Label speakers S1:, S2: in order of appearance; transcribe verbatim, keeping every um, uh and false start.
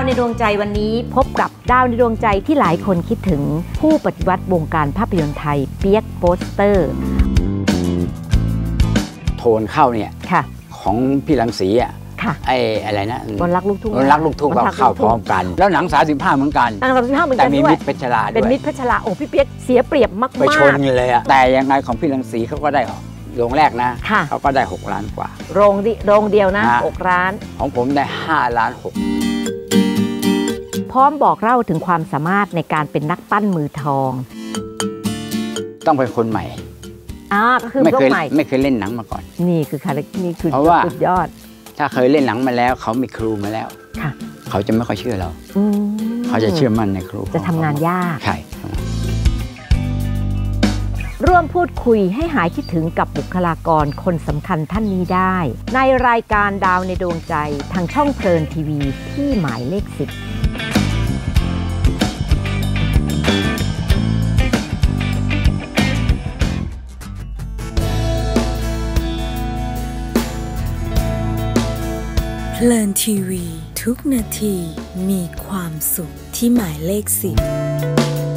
S1: ในดวงใจวันนี้พบกับดาวในดวงใจที่หลายคนคิดถึงผู้ปฏิวัติวงการภาพยนตร์ไทยเปียกโปสเตอร์
S2: โทนเข้าเนี่ยของพี่รังสีอ่ะไอ้อะไรนะ
S1: บนรักลูกทุ่ง
S2: บนรักลูกทุ่งเข้าพร้อมกันแล้วหนังสามสิบห้าเหมือนกัน
S1: หนังสามสิบห้าเหมือนกัน
S2: แต่มีมิตรเพชรลาด้วย
S1: เป็นมิตรเพชรลาโอ้พี่เปียกเสียเปรียบมากๆ
S2: ไปชนเลยอะแต่ยังไงของพี่รังสีเขาก็ได้โรงแรกนะเขาก็ได้หกล้านกว่า
S1: โรงดิโรงเดียวนะหกล้าน
S2: ของผมได้ห้าล้านหก
S1: พร้อมบอกเล่าถึงความสามารถในการเป็นนักปั้นมือทอง
S2: ต้องเป็นคนใหม่
S1: อ่าก็คือไม่
S2: เคยไม่เคยเล่นหนังมาก่อน
S1: นี่คือคาแรคเตอร์นี่คือสุดยอด
S2: ถ้าเคยเล่นหนังมาแล้วเขามีครูมาแล้วเขาจะไม่ค่อยเชื่อเราเขาจะเชื่อมั่นในครู
S1: จะทำงานยาก
S2: ใช่
S1: ร่วมพูดคุยให้หายคิดถึงกับบุคลากรคนสำคัญท่านนี้ได้ในรายการดาวในดวงใจทางช่องเพลินทีวีที่หมายเลขสิบ
S3: เพลินทีวีทุกนาทีมีความสุขที่หมายเลขสิบ